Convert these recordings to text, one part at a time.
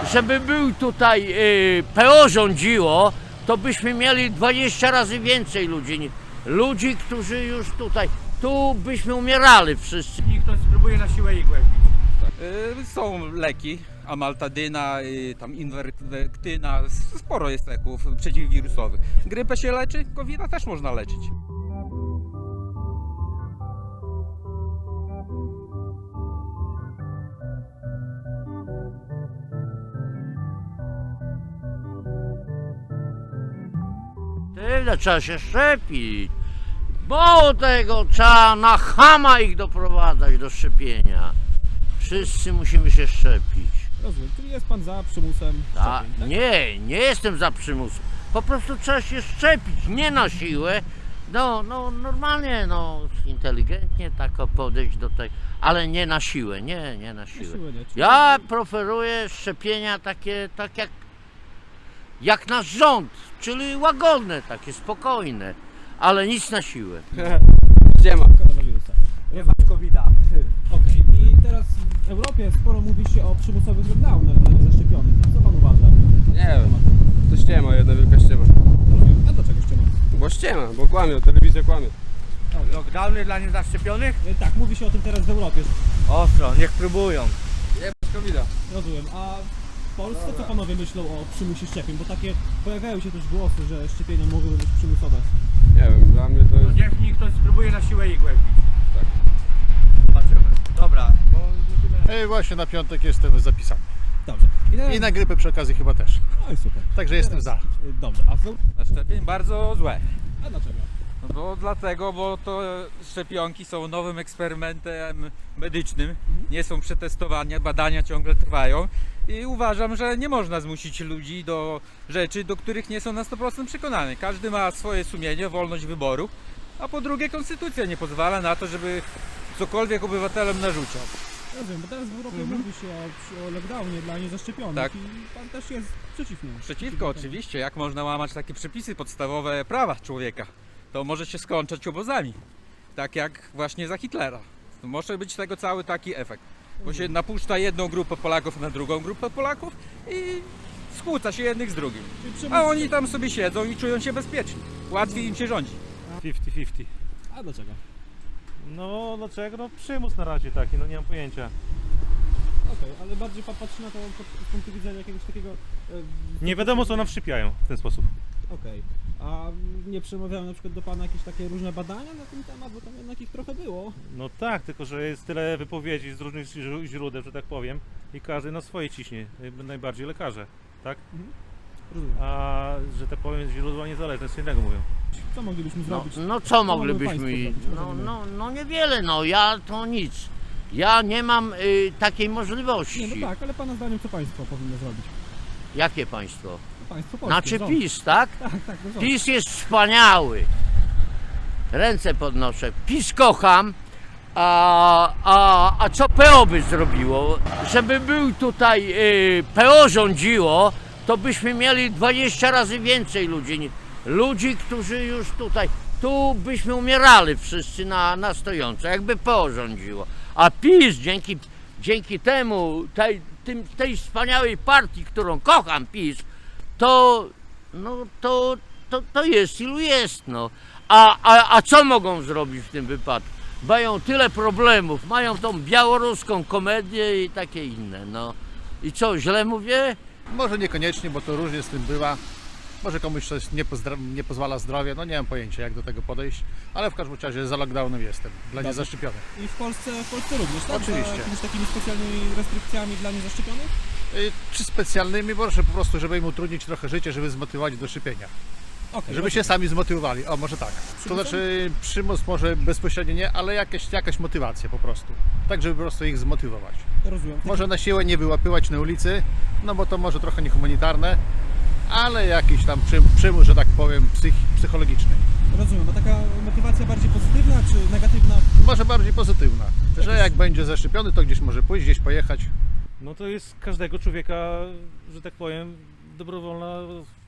żeby był tutaj PO rządziło, to byśmy mieli 20 razy więcej ludzi, którzy już tutaj, tu byśmy umierali wszyscy. I ktoś spróbuje na siłę ich głębić. Są leki, amaltadyna, tam inwerktyna, sporo jest leków przeciwwirusowych. Grypę się leczy, COVID-a też można leczyć. Tyle, trzeba się szczepić. Mało tego, trzeba na chama ich doprowadzać do szczepienia. Wszyscy musimy się szczepić. Rozumiem, czyli jest pan za przymusem szczepień, tak? Nie jestem za przymusem. Po prostu trzeba się szczepić, nie na siłę. No normalnie, inteligentnie tak podejść do tej, ale nie na siłę, nie na siłę. siłę nie, czyli- Ja preferuję szczepienia takie, tak jak nasz rząd, czyli łagodne, takie spokojne, ale nic na siłę. Gdzie ma? Koronawirusa. Nie ma COVID-a. Okej, i teraz w Europie sporo mówi się o przymusowych lockdownach dla niezaszczepionych. Co pan uważa? Nie wiem, to ściema, jedna wielka ściema. Rozumiem. A dlaczego ściema? Bo ściema, bo kłamią, telewizja kłamie. Lockdowny dla niezaszczepionych? Tak, mówi się o tym teraz w Europie. Ostro, niech próbują. Jebać COVID-a. Rozumiem. A w Polsce co panowie myślą o przymusie szczepień? Bo takie pojawiają się też głosy, że szczepienia mogłyby być przymusowe. Nie wiem, dla mnie to No jest... niech mi ktoś spróbuje na siłę ich głębić. Tak. Zobaczymy. Dobra, bo musimy... Właśnie na piątek jestem zapisany. Dobrze. I teraz... I na grypę przy okazji chyba też. No i super. Także jestem za. Dobrze, a Na szczepień bardzo złe. A dlaczego? No bo dlatego, bo to szczepionki są nowym eksperymentem medycznym, nie są przetestowania, badania ciągle trwają i uważam, że nie można zmusić ludzi do rzeczy, do których nie są na 100% przekonani. Każdy ma swoje sumienie, wolność wyboru, a po drugie konstytucja nie pozwala na to, żeby cokolwiek obywatelom narzucał. Rozumiem, bo teraz w Europie mówi się o lockdownie dla niezaszczepionych Tak. i pan też jest przeciwny. Przeciwko oczywiście, jak można łamać takie przepisy, podstawowe prawa człowieka. To może się skończyć obozami, tak jak właśnie za Hitlera. To może być tego cały taki efekt, bo się napuszcza jedną grupę Polaków na drugą grupę Polaków i skłóca się jednych z drugim. Czyli przymus... A oni tam sobie siedzą i czują się bezpieczni. Łatwiej im się rządzi. 50-50. A dlaczego? No dlaczego? No przymus na razie taki, no nie mam pojęcia. Okej, ale bardziej pan patrzy na to z punktu widzenia jakiegoś takiego... Nie wiadomo co nam wszypiają w ten sposób. Okej. A nie przemawiały na przykład do pana jakieś takie różne badania na ten temat, bo tam jednak ich trochę było. No tak, tylko że jest tyle wypowiedzi z różnych źródeł, że tak powiem, i każdy na swoje ciśnie, najbardziej lekarze, tak? Rozumiem. A że tak powiem źródła niezależne z innego mówią. Co moglibyśmy zrobić? Co mogą moglibyśmy, państwo zrobić? no niewiele, ja to nic. Ja nie mam takiej możliwości. Nie, no tak, ale pana zdaniem co państwo powinno zrobić? Jakie państwo? Państwo polskie, Znaczy rząd. PiS, tak? Tak, no rząd. PiS jest wspaniały. Ręce podnoszę. PiS kocham. A co PO by zrobiło? Żeby był tutaj PO rządziło, to byśmy mieli 20 razy więcej ludzi, którzy już tutaj, tu byśmy umierali wszyscy na stojąco, jakby PO rządziło. A PiS dzięki temu, tej wspaniałej partii, którą kocham, PiS, to jest ilu jest, no. A co mogą zrobić w tym wypadku? Mają tyle problemów, mają tą białoruską komedię i takie inne, no. I co, źle mówię? Może niekoniecznie, bo to różnie z tym bywa. Może komuś coś nie pozwala zdrowie, no nie mam pojęcia jak do tego podejść, ale w każdym razie za lockdownem jestem, dla Dobrze. niezaszczepionych. I w Polsce również, tak? Oczywiście. Za jakimiś takimi specjalnymi restrykcjami dla niezaszczepionych? Czy specjalnymi, może po prostu, żeby im utrudnić trochę życie, żeby zmotywować do szczepienia. Okej, Żeby się sami zmotywowali, o może tak. To znaczy przymus może bezpośrednio nie, ale jakaś motywacja po prostu. Tak, żeby po prostu ich zmotywować. rozumiem. Może na siłę nie wyłapywać na ulicy, no bo to może trochę niehumanitarne, ale jakiś tam przymus, że tak powiem, psychologiczny. Rozumiem, a taka motywacja bardziej pozytywna czy negatywna? Może bardziej pozytywna, że jak będzie zaszczepiony, to gdzieś może pójść, gdzieś pojechać. No to jest każdego człowieka, że tak powiem, dobrowolna,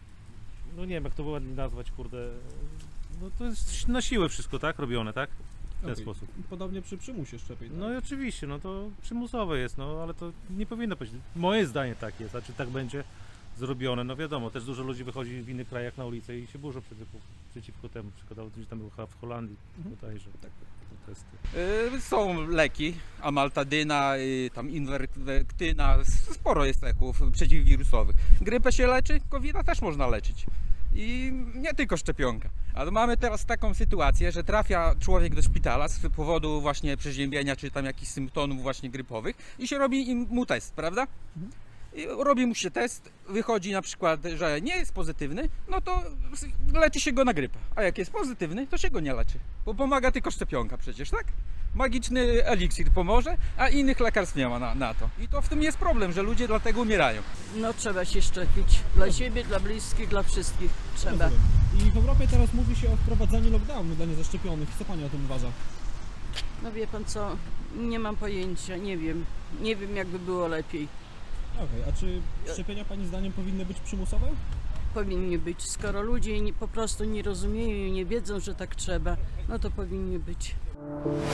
no nie wiem jak to ładnie nazwać, kurde. No to jest na siłę wszystko, tak? Robione, tak? w ten Okej. sposób. Podobnie przy przymusie szczepień. No i oczywiście, no to przymusowe jest, no ale to nie powinno być. Moje zdanie tak jest, a czy tak będzie zrobione, no wiadomo, też dużo ludzi wychodzi w innych krajach na ulicę i się burzą przeciwko temu, przykładowo gdzieś tam był chyba w Holandii bodajże protesty. Są leki, amaltadyna, tam inwerktyna, sporo jest leków przeciwwirusowych. Grypę się leczy, COVID-a też można leczyć. I nie tylko szczepionka. Ale mamy teraz taką sytuację, że trafia człowiek do szpitala z powodu właśnie przeziębienia czy tam jakichś symptomów właśnie grypowych i się robi mu test, prawda? I robi mu się test, wychodzi na przykład, że nie jest pozytywny, no to leczy się go na grypę. A jak jest pozytywny, to się go nie leczy. Bo pomaga tylko szczepionka przecież, tak? Magiczny eliksir pomoże, a innych lekarstw nie ma na to. I to w tym jest problem, że ludzie dlatego umierają. No trzeba się szczepić. Dla siebie, dla bliskich, dla wszystkich. Trzeba. Rozumiem. I w Europie teraz mówi się o wprowadzaniu lockdownu dla niezaszczepionych. Co pani o tym uważa? No wie pan co, nie mam pojęcia, nie wiem. Nie wiem jakby było lepiej. Okej, a czy szczepienia pani zdaniem powinny być przymusowe? Powinny być. Skoro ludzie po prostu nie rozumieją i nie wiedzą, że tak trzeba, no to powinny być.